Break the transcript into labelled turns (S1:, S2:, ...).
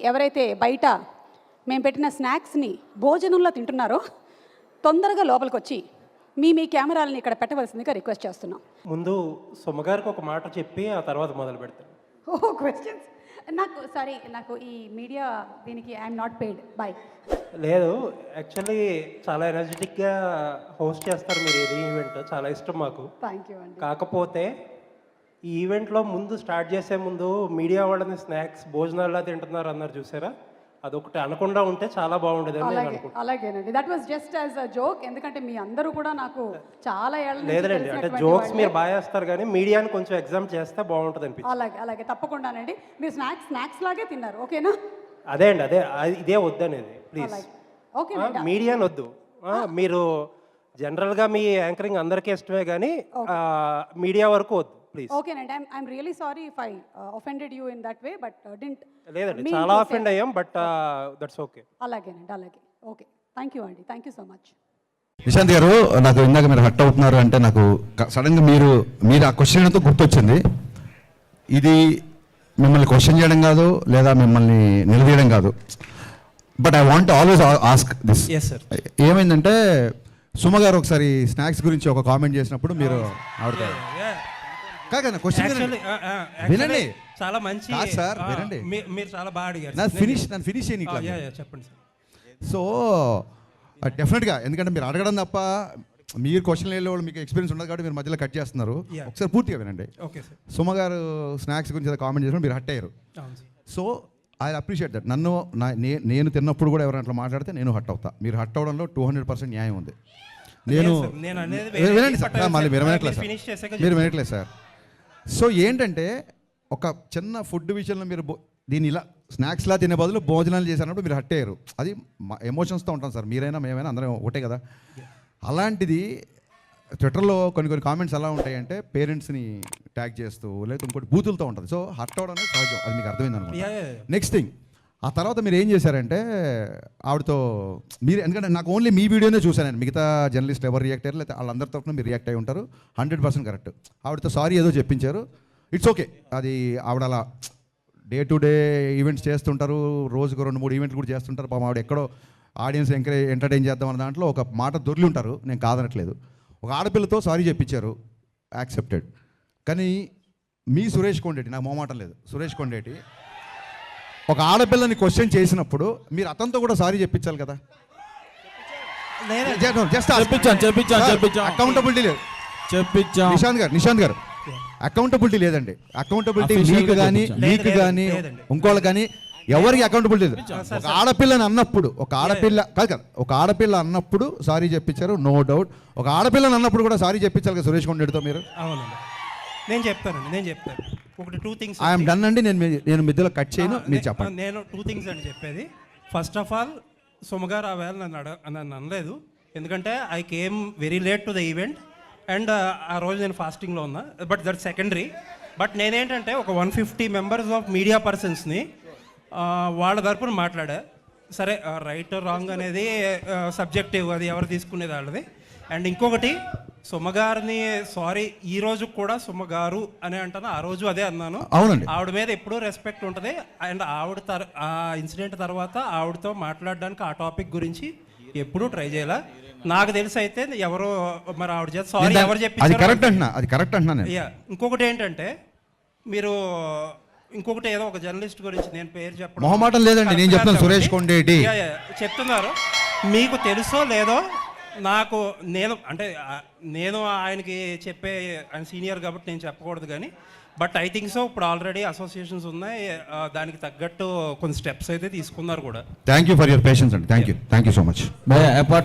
S1: ఎవరైతే బయట మేము పెట్టిన స్నాక్స్ని భోజనంలో తింటున్నారో తొందరగా లోపలికి వచ్చి మీ కెమెరాలని ఇక్కడ పెట్టవలసిందిగా రిక్వెస్ట్ చేస్తున్నాం.
S2: ముందు సుమగారికి ఒక మాట చెప్పి ఆ తర్వాత మొదలు పెడతాను.
S1: క్వశ్చన్స్ నాకు ఈ మీడియా దీనికి ఐఎమ్ నాట్ పెయిడ్ బాయ్.
S2: లేదు, యాక్చువల్లీ చాలా ఎనర్జెటిక్గా హోస్ట్ చేస్తారు మీరు ఇది ఈవెంట్, చాలా ఇష్టం మాకు.
S1: థ్యాంక్ యూ అండి.
S2: కాకపోతే ఈ ఈవెంట్లో ముందు స్టార్ట్ చేసే ముందు మీడియా వాళ్ళని స్నాక్స్ భోజనాల్లో తింటున్నారు అన్నారు చూసారా, అదొకటి అనకుండా ఉంటే చాలా బాగుండేది అని నేను అనుకుంటున్నాను.
S1: అలాగేనండి, that was just as a joke. ఎందుకంటే మీ అందరూ కూడా నాకు చాలా ఏళ్ళ నుంచి
S2: లేదండి, అంటే జోక్స్ మీరు బాగా చేస్తారు కానీ మీడియాని కొంచెం ఎగ్జామ్ చేస్తే బాగుంటుంది అనిపించింది.
S1: అలాగే తప్పకుండానండి. మీరు స్నాక్స్ లాగే తిన్నారు, ఓకేనా?
S2: అదే అండి, ఇదే వద్దనేది ప్లీజ్.
S1: ఓకే,
S2: మీడియాని వద్దు. మీరు జనరల్గా మీ యాంకరింగ్ అందరికీ ఇష్టమే కానీ మీడియా వరకు వద్దు ప్లీజ్.
S1: ఓకేనండి, I'm really sorry if I offended you in that way, but didn't.
S2: లేదండి, చాలా అఫెండ్ అయ్యాం, బట్ దట్స్ ఓకే.
S1: అలాగే ఓకే. థ్యాంక్ యూ అండి, thank you so much.
S3: Nishant garu, నాకు ఇందాక మీరు హట్ అవుతున్నారు అంటే నాకు సడన్గా మీరు ఆ క్వశ్చన్తో గుర్తొచ్చింది. ఇది మిమ్మల్ని క్వశ్చన్ చేయడం కాదు లేదా మిమ్మల్ని నిలదీయడం కాదు, but I want always ask this. ఏమైందంటే సుమ గారు ఒకసారి స్నాక్స్ గురించి ఒక కామెంట్ చేసినప్పుడు మీరు ఆవిడ కాదు క్వశ్చన్ వినండి,
S4: చాలా మంచి
S3: సార్ వినండి,
S4: మీరు చాలా బాగా అడిగారు.
S3: నన్ను ఫినిష్ చేయని
S4: చెప్పండి సార్.
S3: సో డెఫినెట్గా, ఎందుకంటే మీరు అడగడం తప్ప మీరు క్వశ్చన్ వెళ్ళే వాళ్ళు మీకు ఎక్స్పీరియన్స్ ఉండదు కాబట్టి మీరు మధ్యలో కట్ చేస్తున్నారు. ఒకసారి పూర్తిగా వినండి.
S4: Okay sir.
S3: సుమ గారు స్నాక్స్ గురించి కామెంట్ చేసినప్పుడు మీరు హట్ అయ్యారు. So I appreciate that. నేను తిన్నప్పుడు కూడా ఎవరైనా అట్లా మాట్లాడితే నేను హట్ అవుతా. మీరు హట్ అవడంలో 200% న్యాయం ఉంది. వినండి సార్, మళ్ళీ మీరు వినట్లేదు సార్. సో ఏంటంటే ఒక చిన్న ఫుడ్ విషయంలో మీరు దీన్ని ఇలా స్నాక్స్లా తినే బదులు భోజనాలు చేసినప్పుడు మీరు హట్ అయ్యారు. అది ఎమోషన్స్తో ఉంటాం సార్, మీరైనా మేమైనా అందరం ఒకటే కదా. అలాంటిది ట్విట్టర్లో కొన్ని కామెంట్స్ ఎలా ఉంటాయంటే పేరెంట్స్ని ట్యాగ్ చేస్తూ లేదా ఇంకోటి బూతులతో ఉంటుంది. సో హట్ అవడం అనేది సహజం, అది మీకు అర్థమైంది అనుకో. నెక్స్ట్ థింగ్, ఆ తర్వాత మీరు ఏం చేశారంటే ఆవిడతో మీరు, ఎందుకంటే నాకు ఓన్లీ మీ వీడియోనే చూశాను, మిగతా జర్నలిస్ట్ ఎవరు రియాక్ట్ అయ్యారు లేదా వాళ్ళందరి తరఫున మీరు రియాక్ట్ అయ్యి ఉంటారు. 100% కరెక్ట్. ఆవిడతో సారీ ఏదో చెప్పించారు, ఇట్స్ ఓకే. అది ఆవిడ అలా డే టు డే ఈవెంట్స్ చేస్తుంటారు, రోజుకు 2-3 ఈవెంట్లు కూడా చేస్తుంటారు. పాపం ఆవిడ ఎక్కడో ఆడియన్స్ ఎంటర్టైన్ చేద్దాం అన్న దాంట్లో ఒక మాట దొరికి ఉంటారు, నేను కాదనట్లేదు. ఒక ఆడపిల్లతో సారీ చెప్పించారు, యాక్సెప్టెడ్. కానీ మీ సురేష్ కొండేటి, నాకు మొహమాటం లేదు, సురేష్ కొండేటి ఒక ఆడపిల్లని క్వశ్చన్ చేసినప్పుడు మీరు అతనితో కూడా సారీ చెప్పించాలి కదా. అకౌంటబిలిటీ లేదు. నిశాంత్ గారు అకౌంటబిలిటీ లేదండి. అకౌంటబిలిటీ మీకు కానీ ఇంకోళ్ళు కానీ ఎవరికి అకౌంటబిలిటీ లేదు. ఒక ఆడపిల్లని అన్నప్పుడు ఒక ఆడపిల్ల అన్నప్పుడు సారీ చెప్పించారు, నో డౌట్. ఒక ఆడపిల్లని అన్నప్పుడు కూడా సారీ చెప్పించాలి కదా సురేష్ కొండేటితో మీరు.
S4: అవునండి, నేను చెప్తాను. ఒకటి 2 things
S3: ఐఎమ్ డన్ అండి, నేను మధ్యలో కట్ చేయను, మీరు చెప్పండి.
S4: నేను 2 things అండి చెప్పేది. ఫస్ట్ ఆఫ్ ఆల్, సుమగారు ఆ వేళ నన్ను అనలేదు, ఎందుకంటే I came very late to the event and ఆ రోజు నేను ఫాస్టింగ్లో ఉన్నా. But that secondary. బట్ నేనేంటంటే ఒక 150 మెంబర్స్ ఆఫ్ మీడియా పర్సన్స్ని వాళ్ళ తరపున మాట్లాడా. సరే, రైట్ రాంగ్ అనేది సబ్జెక్టివ్, అది ఎవరు తీసుకునేది వాళ్ళది. అండ్ ఇంకొకటి, సుమగారిని సారీ ఈ రోజు కూడా సుమగారు అని అంటాను, ఆ రోజు అదే అన్నాను.
S3: అవునండి,
S4: ఆవిడ మీద ఎప్పుడూ రెస్పెక్ట్ ఉంటుంది. అండ్ ఆ ఇన్సిడెంట్ తర్వాత ఆవిడతో మాట్లాడడానికి ఆ టాపిక్ గురించి ఎప్పుడూ ట్రై చేయాల. నాకు తెలిసి అయితే ఎవరో మరి ఆవిడ చేత సారీ ఎవరు చెప్పి
S3: అది కరెక్ట్ అంటున్నా.
S4: ఇంకొకటి ఏంటంటే, మీరు ఇంకొకటి ఏదో ఒక జర్నలిస్ట్ గురించి నేను పేరు చెప్పడం
S3: మొహమాటం లేదండి, నేను చెప్తాను. సురేష్ కొండేటి
S4: చెప్తున్నారు, మీకు తెలుసో లేదో నాకు, నేను ఆయనకి చెప్పే, ఆయన సీనియర్ కాబట్టి నేను చెప్పకూడదు కానీ, బట్ ఐ థింక్ సో ఇప్పుడు ఆల్రెడీ అసోసియేషన్స్ ఉన్నాయి, దానికి తగ్గట్టు కొన్ని స్టెప్స్ అయితే తీసుకున్నారు కూడా.
S3: Thank you for your patience అండి. Thank you so much.